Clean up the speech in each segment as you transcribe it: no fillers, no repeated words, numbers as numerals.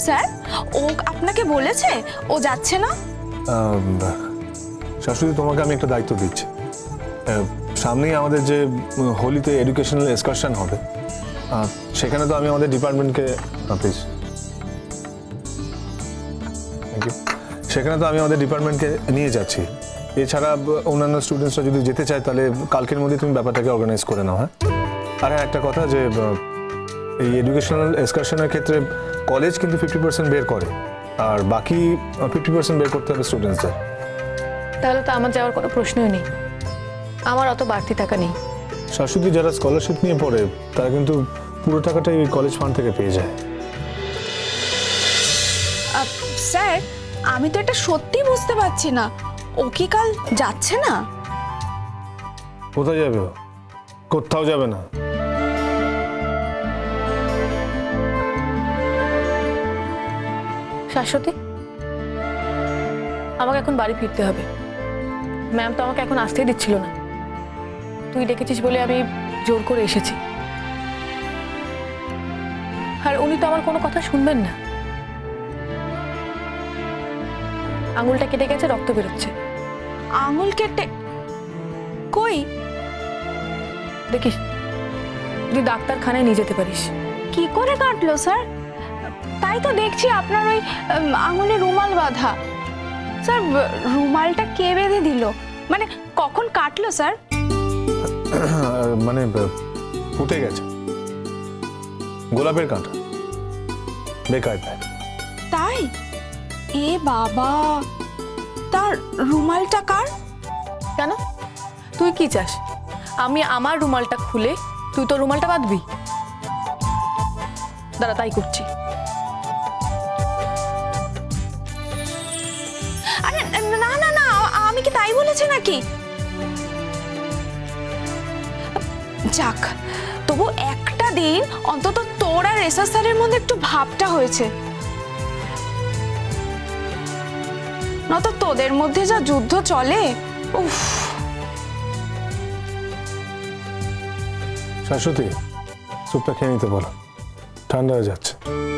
Sir, ও আপনাকে বলেছে ও যাচ্ছে না? শাশুড়ি, তোমাকে আমি একটা দায়িত্ব দিচ্ছি। সামনেই আমাদের যে হোলিতে এডুকেশনাল এক্সকারশন হবে, সেখানে তো আমি আমাদের ডিপার্টমেন্টকে প্লিজ থ্যাংক ইউ, সেখানে তো আমি আমাদের ডিপার্টমেন্টকে নিয়ে যাচ্ছি। এছাড়া অন্যান্য স্টুডেন্টসরা যদি যেতে চায় তাহলে কালকের মধ্যে তুমি ব্যাপারটাকে অর্গানাইজ করে নাও। হ্যাঁ, আর হ্যাঁ, একটা কথা যে এই এডুকেশনাল এক্সকারশনের ক্ষেত্রে কলেজ কিন্তু 50% বের করে, আর বাকি 50% বের করতে হবে স্টুডেন্টসদের। তাহলে তো আমার যাওয়ার কোনো প্রশ্নই নেই, আমার অত বাড়তি টাকা নেই। শাশুড়ি, যারা স্কলারশিপ নিয়ে পড়ে তারা কিন্তু পুরো টাকাটাই ওই কলেজ ফান্ড থেকে পেয়ে যায়। স্যার, আমি তো এটা সত্যি বুঝতে পারছি না, ও কি কাল যাচ্ছে না? কোথায় যাবে ও? কোথাও যাবে না। শাশ্বতী, আমাকে এখন বাড়ি ফিরতে হবে। ম্যাম তো আমাকে এখন আসতেই দিচ্ছিল না, তুই ডেকেছিস বলে আমি জোর করে এসেছি। আর উনি তো আমার কোনো কথা শুনবেন না। আঙুলটা কেটে গেছে, রক্ত বেরোচ্ছে। আঙুল কেটে? কই? দেখিস, তুই ডাক্তারখানায় নিয়ে যেতে পারিস। কি করে কাটলো স্যার? তাই তো দেখছি আপনার ওই আঙুলে রুমাল বাঁধা। স্যার, রুমালটা কে বেঁধে দিল? মানে কখন কাটলো স্যার? মানে ফুটে গেছে, গোলাপের কাঁটা, বেকায়দায়। তাই? এ বাবা, তার রুমালটা কার? কেন, তুই কি চাস আমি আমার রুমালটা খুলে তুই তোর রুমালটা বাঁধবি? দাঁড়া, তাই করছি। আরে না না না, আমি কি তাই বলেছি নাকি? যাক, তবু একটা দিন অন্তত তোর আর এসআর স্যারের মধ্যে একটু ভাবটা হয়েছে, নয়তো তোদের মধ্যে যা যুদ্ধ চলে। উফ। শাশ্বতী, স্যুপটা খেয়ে নিতে বলো, ঠান্ডা হয়ে যাচ্ছে।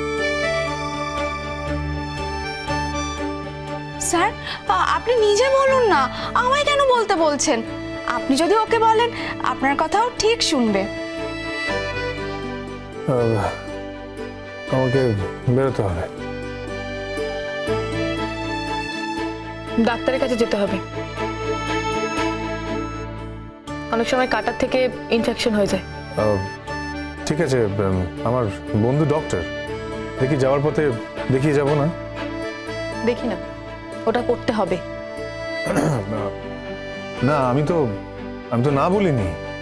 স্যার, আপনি নিজে বলুন না, আমায় কেন বলতে বলছেন? আপনি যদি ওকে বলেন, আপনার কথাও ঠিক শুনবে। আমাকে বেরোতে হবে। ডাক্তারের কাছে যেতে হবে, অনেক সময় কাটার থেকে ইনফেকশন হয়ে যায়। ঠিক আছে, আমার বন্ধু ডক্টর, দেখি যাওয়ার পথে দেখিয়ে যাব না? দেখি না, ওটা করতে হবে। না, আমি তো না বলিনি।